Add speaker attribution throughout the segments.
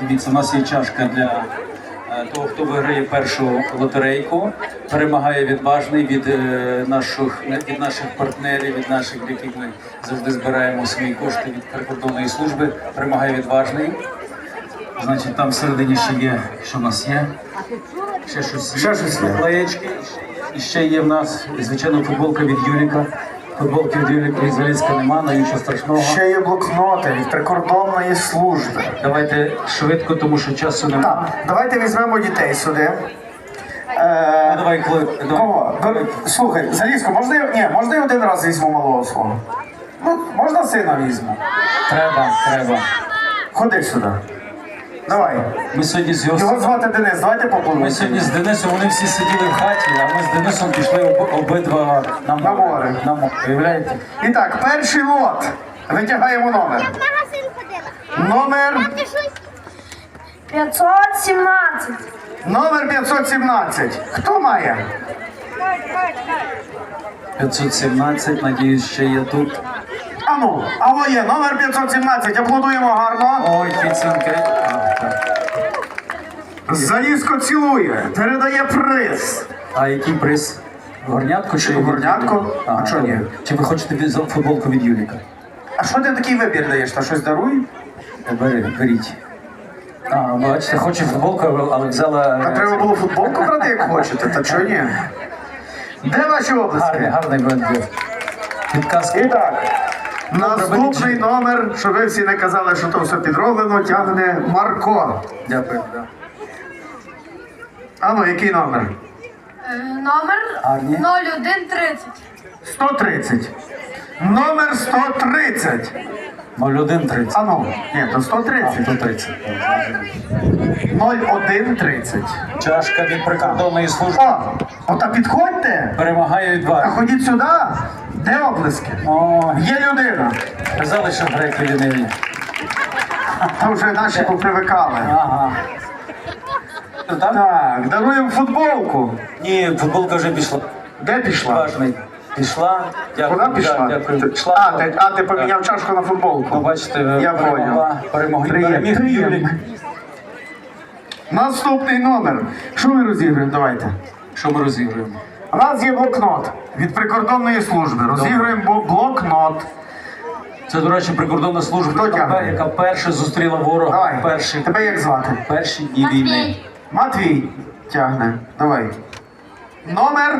Speaker 1: Дивіться, у нас є чашка для того, хто виграє першу лотерейку. Перемагає відважний від наших партнерів, від наших, в яких ми завжди збираємо свої кошти від прикордонної служби. Перемагає відважний. Значить, там всередині ще є, що в нас є? Ще щось є. Наклеєчки. І ще є в нас, звичайно, футболка від Юріка. Футболки від Юріка Ізраїльська нема, але нічого страшного.
Speaker 2: Ще є блокноти від прикордонної служби.
Speaker 1: Давайте швидко, тому що часу немає.
Speaker 2: Так, давайте візьмемо дітей сюди.
Speaker 1: Давай,
Speaker 2: Кого? Слухай, Залізко, можна я один раз візьму малого свого? Ну, можна сина візьму?
Speaker 1: Треба.
Speaker 2: Ходи сюди. Давай.
Speaker 1: Ми сьогодні з
Speaker 2: Його звати Денис, давайте попливемо.
Speaker 1: Ми сьогодні з Денисом, вони всі сиділи в хаті, а ми з Денисом пішли обидва на море. Уявляєте?
Speaker 2: І так, перший лот. Витягаємо номер. Номер
Speaker 3: 517.
Speaker 2: Номер 517. Хто має?
Speaker 1: 517, надіюсь, ще є тут.
Speaker 2: Алло є, номер 517. Аплодуємо гарно.
Speaker 1: Ой, підсумки.
Speaker 2: Залізко цілує, передає приз.
Speaker 1: А який приз? Горнятко чи
Speaker 2: Горнятко? А чого ні?
Speaker 1: Чи ви хочете футболку від Юріка?
Speaker 2: А що ти такий вибір даєш? Та щось даруй?
Speaker 1: Беріть. Бачите, хоче футболку, але взяла...
Speaker 2: А треба було футболку брати, як хочете, та чого ні? Де ваші обласки?
Speaker 1: Гарний бренд. Підказки.
Speaker 2: І так, наступний номер, щоб ви всі не казали, що то все підроблено, тягне Марко.
Speaker 1: Дякую.
Speaker 2: Який номер?
Speaker 3: Номер
Speaker 1: Гарні.
Speaker 3: 0130.
Speaker 2: 130. Номер 130.
Speaker 1: 0130.
Speaker 2: Ні, то 130.
Speaker 1: 130.
Speaker 2: 0130.
Speaker 1: Чашка від прикордонної служби.
Speaker 2: Ота підходьте.
Speaker 1: Перемагає
Speaker 2: А
Speaker 1: відважний.
Speaker 2: ходіть сюди. Де облиски? Є людина.
Speaker 1: Казали, що греки ліниві.
Speaker 2: Та вже наші попривикали.
Speaker 1: Ага.
Speaker 2: Так, даруємо футболку.
Speaker 1: Ні, футболка вже пішла.
Speaker 2: Де пішла?
Speaker 1: Важний. Пішла. Дякую.
Speaker 2: Вона пішла?
Speaker 1: Дякую. Пішла.
Speaker 2: Ти поміняв чашку на футболку.
Speaker 1: Бачите,
Speaker 2: Я
Speaker 1: перемогли.
Speaker 2: Приємно. Наступний номер. Що ми розіграємо? Давайте.
Speaker 1: Що ми розігруємо?
Speaker 2: У нас є блокнот від прикордонної служби. Розіграємо блокнот.
Speaker 1: Це, до речі, прикордонна служба, яка перша зустріла ворога.
Speaker 2: Давай. Тебе як звати?
Speaker 1: Перші дні війни.
Speaker 2: Матвій тягне. Давай. Номер?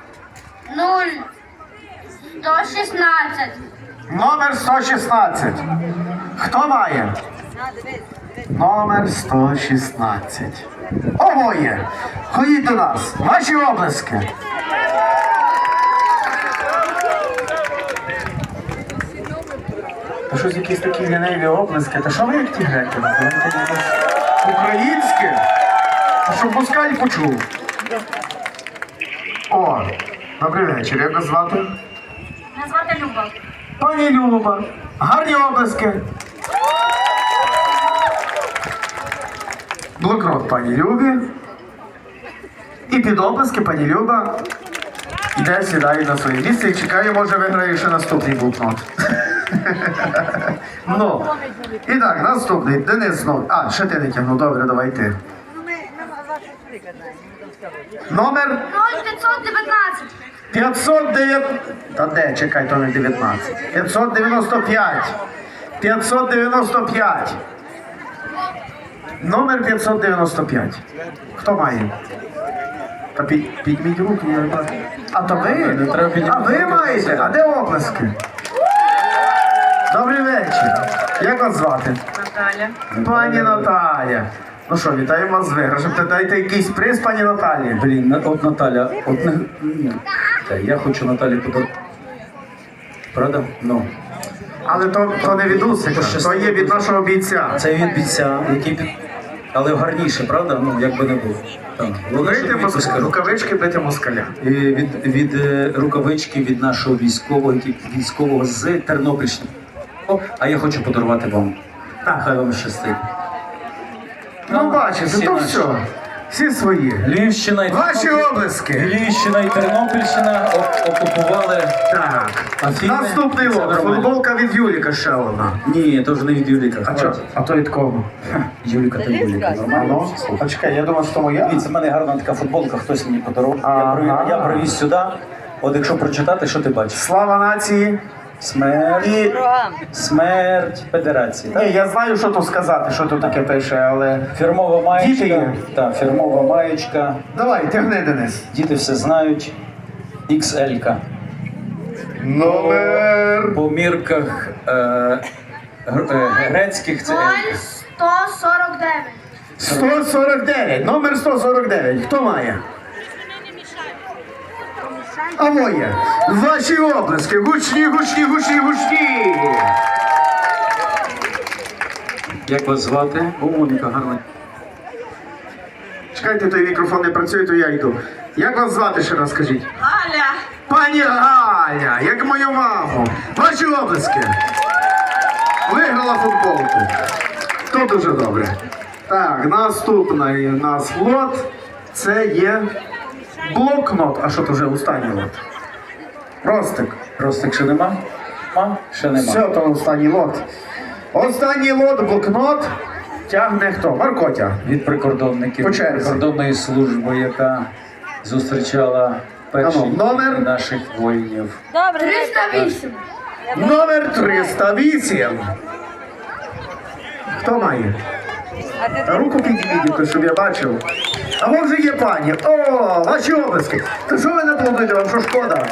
Speaker 3: 116.
Speaker 2: Номер 116. Хто має? Номер 116. Обоє. Ходіть до нас. Ваші облиски. Та щось якісь такі ліниві облиски. Та що ви як ті греки? Українське? Та щоб москаль почув. Добрий вечір. Як вас звати?
Speaker 3: Мене звати Люба.
Speaker 2: Пані Люба. Гарні облиски. Блокнот пані Любі. І під облиски пані Люба іде, сідає на своє місце і чекає, може виграє ще наступний блокнот. І так, наступний. Денис знову. Ще ти не тягнув. Добре, давай ти. Номер?
Speaker 3: 0519.
Speaker 2: 509. Та де? Чекай, то не 19. 595. 595. Номер 595. Хто має? Та підміть руки, я не бачу. А то ви? А ви маєте? А де оплески? Добрий вечір. Як вас звати?
Speaker 3: Наталя.
Speaker 2: Пані Наталя. Ну що, вітаємо вас з виграшем. Дайте якийсь приз, пані Наталі.
Speaker 1: Блін, от Наталя, я хочу Наталі подарувати. Правда?
Speaker 2: Але то не від Усика, то є від нашого бійця.
Speaker 1: Це від бійця, який але гарніше, правда? Як би не було.
Speaker 2: Рукавички бити москаля.
Speaker 1: Від рукавички від нашого військового з Тернопільщини. А я хочу подарувати вам. Хай вам щастить.
Speaker 2: Бачите, то все. Всі свої.
Speaker 1: Львівщина і
Speaker 2: Ваші облески.
Speaker 1: Львівщина і Тернопільщина окупували
Speaker 2: Так.
Speaker 1: Афіни.
Speaker 2: Наступний
Speaker 1: Це
Speaker 2: лот.
Speaker 1: нормально.
Speaker 2: Футболка від Юліка ще одна.
Speaker 1: Ні, то вже не від Юліка.
Speaker 2: А чо? А то від кого?
Speaker 1: Юліка та Юліка. Нормально?
Speaker 2: А чекай, я думав, що моя.
Speaker 1: Дивіться, в мене гарна така футболка, хтось мені подарував.
Speaker 2: Ага.
Speaker 1: Я привіз сюди. От якщо прочитати, що ти бачиш?
Speaker 2: Слава нації.
Speaker 1: Смерть.
Speaker 2: І
Speaker 1: Смерть Федерації. Так?
Speaker 2: ні, я знаю, що тут сказати, що тут таке пише, але.
Speaker 1: Фірмова
Speaker 2: Діти
Speaker 1: маєчка.
Speaker 2: є.
Speaker 1: Так, фірмова маєчка.
Speaker 2: Давай, тягни, Денис.
Speaker 1: Діти все знають. XL-ка.
Speaker 2: Номер.
Speaker 1: По мірках грецьких це L.
Speaker 3: 149.
Speaker 2: 149. Номер 149. Хто має? А моє. Ваші облески. Гучні, гучні, гучні, гучні.
Speaker 1: Як вас звати? О, Моніка, гарна.
Speaker 2: Чекайте, той мікрофон не працює, то я йду. Як вас звати, ще раз скажіть?
Speaker 3: Галя.
Speaker 2: Пані Галя, як мою маму. Ваші облески. Виграла футболку. То дуже добре. Так, наступний у нас лот. Це є блокнот. А що то вже останній лот? Ростик.
Speaker 1: Ростик ще нема? Ще нема.
Speaker 2: Все, то останній лот. Останній лот, блокнот. Тягне хто? Маркотя.
Speaker 1: Від прикордонників,
Speaker 2: По черзі.
Speaker 1: прикордонної служби, яка зустрічала перші
Speaker 2: Ану, номер?
Speaker 1: наших воїнів.
Speaker 3: 308.
Speaker 2: Номер 308. Хто має? Руку підійдіть, то щоб я бачив. А вон вже є пані. О, ваші облески. То що ви наплодуєте, вам що шкода?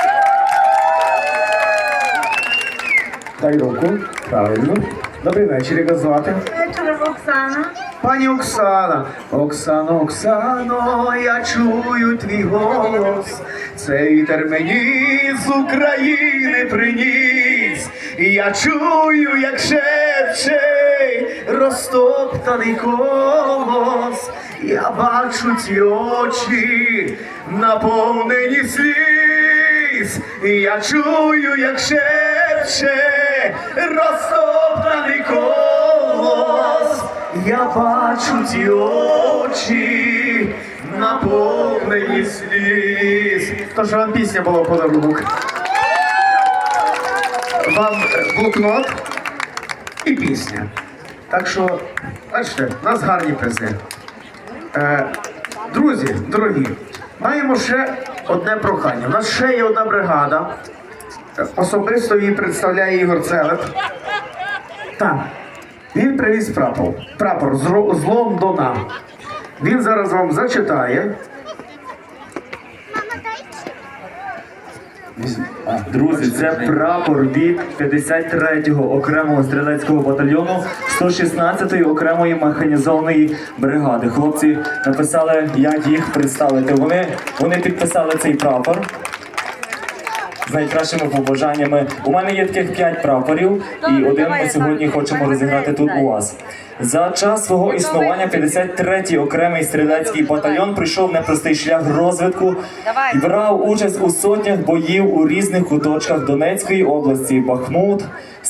Speaker 2: Дай руку. Правильно. Добрий вечір, як вас звати?
Speaker 3: Вечір, Оксана.
Speaker 2: Пані Оксана, Оксано, Оксано, я чую твій голос. Цей вітер мені з України приніс. І я чую, як шепче розтоптаний колос. Я бачу ті очі, наповнені сліз. І я чую, як шепче розтоптаний колос. Я бачу ті очі, наповнені сліз. То що вам пісня була в подарунок. Вам блокнот і пісня. Так що, бачите, у нас гарні призи. Друзі, дорогі, маємо ще одне прохання. У нас ще є одна бригада. Особисто її представляє Ігор Целеп. Так. Він привіз прапор з Лондона. Він зараз вам зачитає.
Speaker 4: Друзі, це прапор від 53-го окремого стрілецького батальйону 116-ї окремої механізованої бригади. Хлопці написали, як їх представити. Вони підписали цей прапор з найкращими побажаннями. У мене є таких 5 прапорів, і один ми сьогодні хочемо розіграти тут у вас. За час свого існування 53-й окремий стрілецький батальйон пройшов непростий шлях розвитку і брав участь у сотнях боїв у різних куточках Донецької області: Бахмут,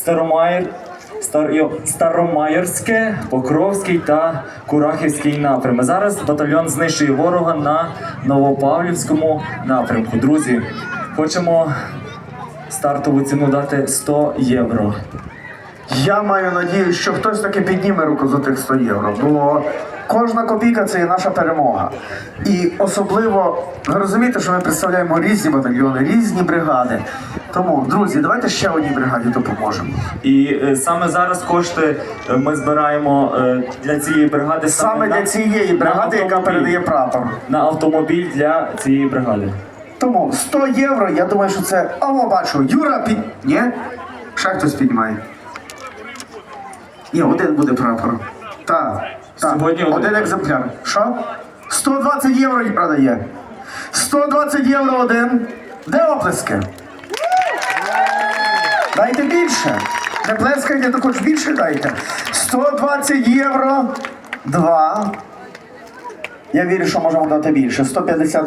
Speaker 4: Старомайорське, Покровський та Курахівський напрями. Зараз батальйон знищує ворога на Новопавлівському напрямку. Друзі, хочемо стартову ціну дати 100 євро.
Speaker 2: Я маю надію, що хтось таки підніме руку за тих 100 євро, бо кожна копійка – це є наша перемога. І особливо, ви розумієте, що ми представляємо різні батальйони, різні бригади. Тому, друзі, давайте ще одній бригаді допоможемо.
Speaker 4: І саме зараз кошти ми збираємо для цієї бригади
Speaker 2: Саме для цієї бригади, яка передає прапор.
Speaker 4: на автомобіль для цієї бригади.
Speaker 2: Тому 100 євро, я думаю, що це... О, бачу, Юра Ні? Ще хтось піднімає. Ні, один буде прапор. Так.
Speaker 4: Сьогодні
Speaker 2: Один екземпляр. Що? 120 євро продає. 120 євро один. Де оплески? Дайте більше. Не плескайте, то хоч більше дайте. 120 євро. 2. Я вірю, що можемо дати більше. 150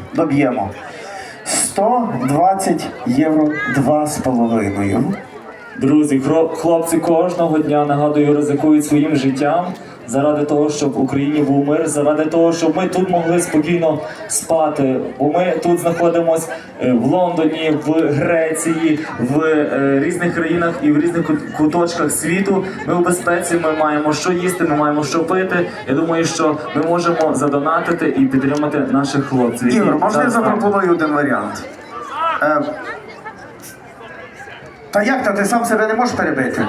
Speaker 2: доб'ємо. 120 євро 2,5.
Speaker 4: Друзі, хлопці кожного дня, нагадую, ризикують своїм життям заради того, щоб в Україні був мир, заради того, щоб ми тут могли спокійно спати. Бо ми тут знаходимося в Лондоні, в Греції, в різних країнах і в різних куточках світу. Ми в безпеці, ми маємо що їсти, ми маємо що пити. Я думаю, що ми можемо задонатити і підтримати наших хлопців.
Speaker 2: Ігор,
Speaker 4: які
Speaker 2: можна я
Speaker 4: зараз там.
Speaker 2: запропоную один варіант? Та як то, ти сам себе не можеш перебити?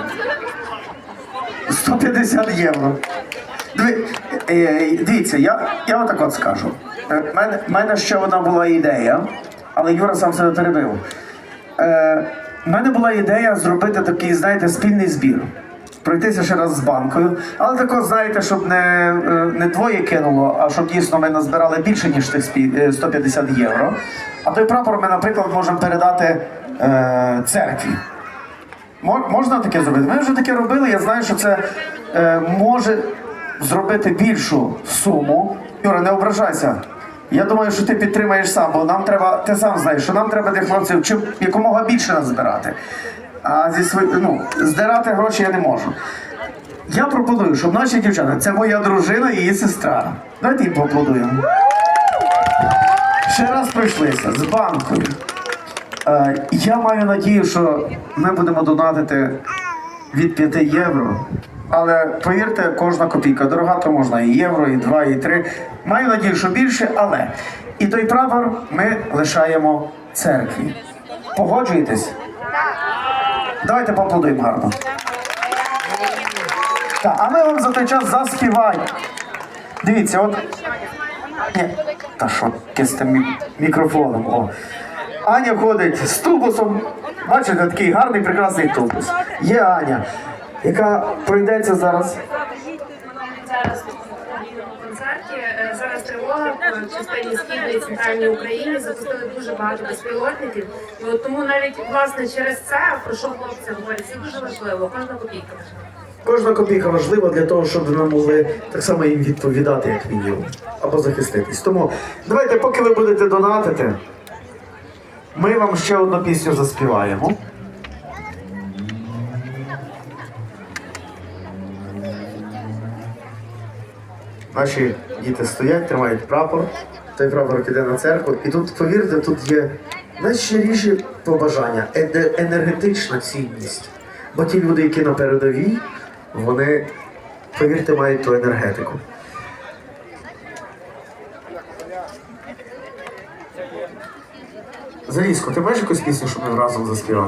Speaker 2: 150 євро. Дивіться, я отак от скажу. В мене ще одна була ідея, але Юра сам себе перебив. В мене була ідея зробити такий, знаєте, спільний збір. Пройтися ще раз з банкою, але тако, знаєте, щоб не двоє кинуло, а щоб дійсно ми назбирали більше, ніж тих 150 євро. А той прапор ми, наприклад, можемо передати церкві. Можна таке зробити? Ми вже таке робили, я знаю, що це може зробити більшу суму. Юра, не ображайся. Я думаю, що ти підтримаєш сам, бо нам треба, ти сам знаєш, що нам треба для хлопців чим якомога більше назбирати. А здирати гроші я не можу. Я пропоную, щоб наші дівчата, це моя дружина і її сестра. Давайте їм поаплодуємо. Ще раз пройшлися з банкою. Я маю надію, що ми будемо донатити від 5 євро. Але повірте, кожна копійка дорога, то можна і євро, і 2, і 3. Маю надію, що більше, але і той прапор ми лишаємо церкві. Погоджуєтесь? Давайте поаплодуємо гарно. Так, а ми вам за той час заспіваємо. Дивіться, от... Ні, та що, з тим мікрофоном. О. Аня ходить з тубусом. Бачите, такий гарний, прекрасний тубус. Є Аня, яка пройдеться зараз.
Speaker 5: Зараз в концерті. Зараз тривога в частині Східної і Центральній Україні. Запустили дуже багато безпілотників. І от тому навіть, власне, через це, про що хлопці говорять, це дуже важливо. Кожна копійка важлива.
Speaker 2: Кожна копійка важлива для того, щоб ми могли так само їм відповідати, як мінімум. Або захиститись. Тому давайте, поки ви будете донатити, ми вам ще одну пісню заспіваємо. Наші діти стоять, тримають прапор. Той прапор піде на церкву. І тут, повірте, тут є найщиріші побажання, енергетична цінність. Бо ті люди, які на передовій, вони, повірте, мають ту енергетику. Залізко, ти маєш якусь пісню, щоб ми разом заспівали?